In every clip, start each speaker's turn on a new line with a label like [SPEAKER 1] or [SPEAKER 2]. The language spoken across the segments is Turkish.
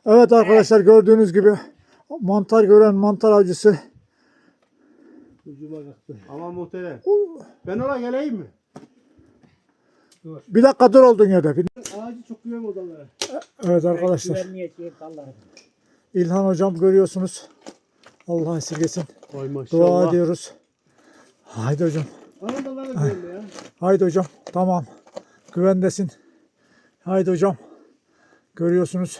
[SPEAKER 1] Evet arkadaşlar, gördüğünüz gibi mantar gören mantar avcısı.
[SPEAKER 2] Ama muhterem. Ben oraya geleyim mi?
[SPEAKER 1] Bir dakika dur olduğun yerde.
[SPEAKER 2] Ağacı çok güven odalara.
[SPEAKER 1] Evet arkadaşlar. İlhan hocam görüyorsunuz. Allah esirgesin.
[SPEAKER 2] Vay
[SPEAKER 1] Dua
[SPEAKER 2] maşallah.
[SPEAKER 1] ediyoruz. Haydi hocam.
[SPEAKER 2] Anadalara güvenli ya.
[SPEAKER 1] Haydi hocam. Tamam. Güvendesin. Haydi hocam. Görüyorsunuz.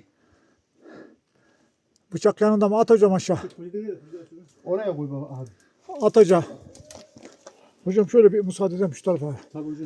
[SPEAKER 1] Bıçak yanında mı? At hocam aşağı.
[SPEAKER 2] Oraya koy baba abi.
[SPEAKER 1] At hocam. Hocam şöyle bir müsaade edin şu tarafa.
[SPEAKER 2] Tabii hocam.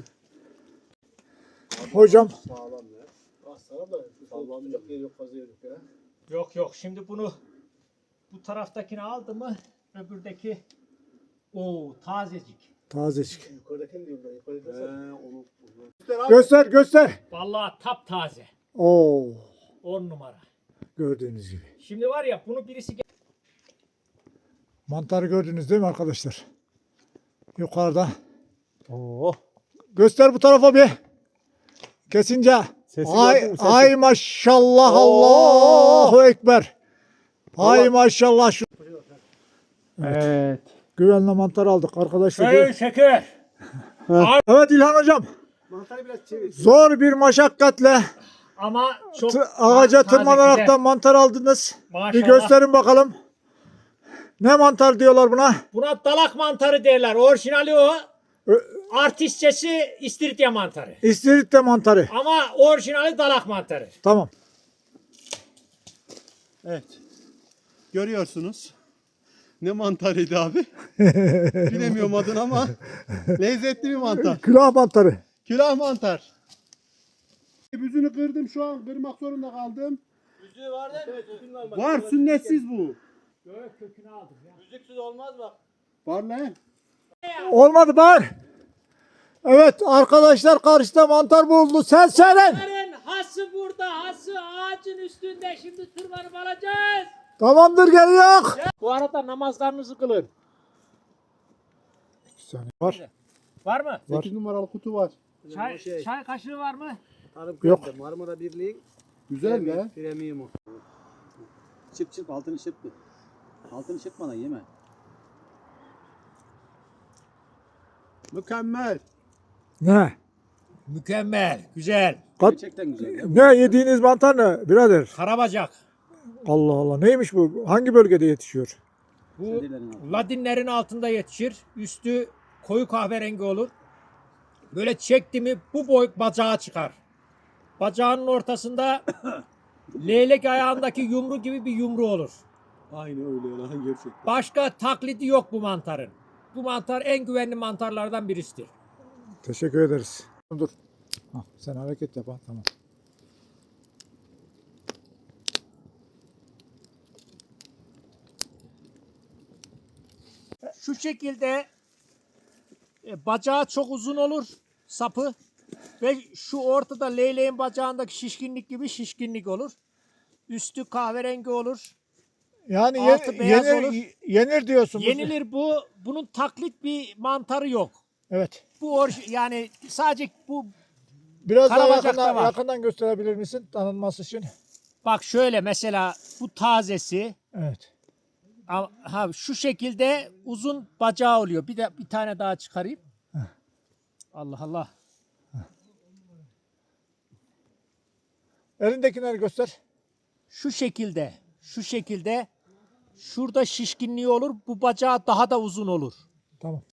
[SPEAKER 1] Hocam.
[SPEAKER 2] Sağlam ya. Sağlam da sallanacak yer yok, fazla yer yok ya.
[SPEAKER 3] Yok şimdi bunu bu taraftakini aldı mı öbürdeki tazecik.
[SPEAKER 1] Tazecik.
[SPEAKER 2] Yukarıdakini diyorum ben. Yukarıdaki onu.
[SPEAKER 1] Göster göster.
[SPEAKER 3] Vallahi taptaze.
[SPEAKER 1] Oo.
[SPEAKER 3] 10 numara.
[SPEAKER 1] Gördüğünüz gibi.
[SPEAKER 3] Şimdi var ya bunu birisi
[SPEAKER 1] Mantarı gördünüz değil mi arkadaşlar? Yukarıda.
[SPEAKER 2] Oo.
[SPEAKER 1] Göster bu tarafa bir. Kesince.
[SPEAKER 2] Sesi
[SPEAKER 1] Ay,
[SPEAKER 2] gördün mü? Sesi.
[SPEAKER 1] ay maşallah,
[SPEAKER 2] Oo.
[SPEAKER 1] Allahu Ekber. Ay maşallah. Şu
[SPEAKER 2] Evet.
[SPEAKER 1] güvenli mantar aldık arkadaşlar.
[SPEAKER 3] şeker.
[SPEAKER 1] Evet İlhan hocam.
[SPEAKER 2] Mantarı biraz çevir.
[SPEAKER 1] Zor bir maşakkatle
[SPEAKER 3] Ama çok
[SPEAKER 1] ağaca
[SPEAKER 3] taze,
[SPEAKER 1] tırmanarak
[SPEAKER 3] güzel.
[SPEAKER 1] da mantar aldınız.
[SPEAKER 3] Maşallah.
[SPEAKER 1] Bir gösterin bakalım. Ne mantar diyorlar buna?
[SPEAKER 3] Buna dalak mantarı derler. Orijinali o.
[SPEAKER 1] Ö-
[SPEAKER 3] Artistçesi istiridye mantarı.
[SPEAKER 1] İstiridye mantarı.
[SPEAKER 3] Ama orijinali dalak mantarı.
[SPEAKER 1] Tamam.
[SPEAKER 2] Evet. Görüyorsunuz. Ne mantarıydı abi? Bilemiyorum adını ama lezzetli bir mantar.
[SPEAKER 1] Külah mantarı.
[SPEAKER 2] Külah mantar. Büzünü kırdım, şu an kırmak zorunda kaldım.
[SPEAKER 3] Yüzüğü var değil mi?
[SPEAKER 2] Var, sünnetsiz bu.
[SPEAKER 3] Yok kökünü aldım ya.
[SPEAKER 4] Müziksiz olmaz bak.
[SPEAKER 2] Var lan.
[SPEAKER 1] Olmadı bak. Evet arkadaşlar, karşıda mantar buldu. Sen söyle.
[SPEAKER 3] Bunların hası burada, hası ağacın üstünde. Şimdi tırmanıp alacağız.
[SPEAKER 1] Tamamdır, geliyor.
[SPEAKER 3] Bu arada namazlarınızı kılın.
[SPEAKER 1] Bir saniye var.
[SPEAKER 3] Var mı?
[SPEAKER 2] 8 numaralı kutu var.
[SPEAKER 3] Çay kaşığı var mı?
[SPEAKER 1] Yok.
[SPEAKER 4] Marmara Birliği
[SPEAKER 2] Güzel be.
[SPEAKER 4] premiumu. Çırp altını çırp. Altını çırpmadan yeme.
[SPEAKER 2] Mükemmel.
[SPEAKER 1] Ne?
[SPEAKER 3] Mükemmel, güzel.
[SPEAKER 4] Gerçekten güzel. Ya.
[SPEAKER 1] Ne yediğiniz mantar ne birader?
[SPEAKER 3] Karabacak.
[SPEAKER 1] Allah Allah, neymiş bu? Hangi bölgede yetişiyor?
[SPEAKER 3] Bu
[SPEAKER 4] Kedilerin altında.
[SPEAKER 3] ladinlerin altında yetişir. Üstü koyu kahverengi olur. Böyle çekti mi bu boy bacağı çıkar. Bacağının ortasında leylek ayağındaki yumru gibi bir yumru olur.
[SPEAKER 2] Aynı öyle lan gerçekten.
[SPEAKER 3] Başka taklidi yok bu mantarın. Bu mantar en güvenli mantarlardan birisidir.
[SPEAKER 1] Teşekkür ederiz. Dur. Ha, sen hareket yap ha, tamam.
[SPEAKER 3] Şu şekilde bacağı çok uzun olur sapı ve şu ortada leyleğin bacağındaki şişkinlik gibi şişkinlik olur. Üstü kahverengi olur.
[SPEAKER 1] Yani
[SPEAKER 3] Altı beyaz
[SPEAKER 1] yenir,
[SPEAKER 3] olur.
[SPEAKER 1] yenir diyorsunuz.
[SPEAKER 3] Yenilir bu. Bunun taklit bir mantarı yok.
[SPEAKER 1] Evet.
[SPEAKER 3] Bu yani sadece bu
[SPEAKER 1] Biraz daha
[SPEAKER 3] Karabacak'ta var.
[SPEAKER 1] yakından gösterebilir misin tanınması için?
[SPEAKER 3] bak şöyle mesela bu tazesi
[SPEAKER 1] Evet.
[SPEAKER 3] ha şu şekilde uzun bacağı oluyor. Bir tane daha çıkarayım. Allah Allah.
[SPEAKER 1] Elindekileri göster.
[SPEAKER 3] Şu şekilde şurada şişkinliği olur. Bu bacağı daha da uzun olur.
[SPEAKER 1] Tamam.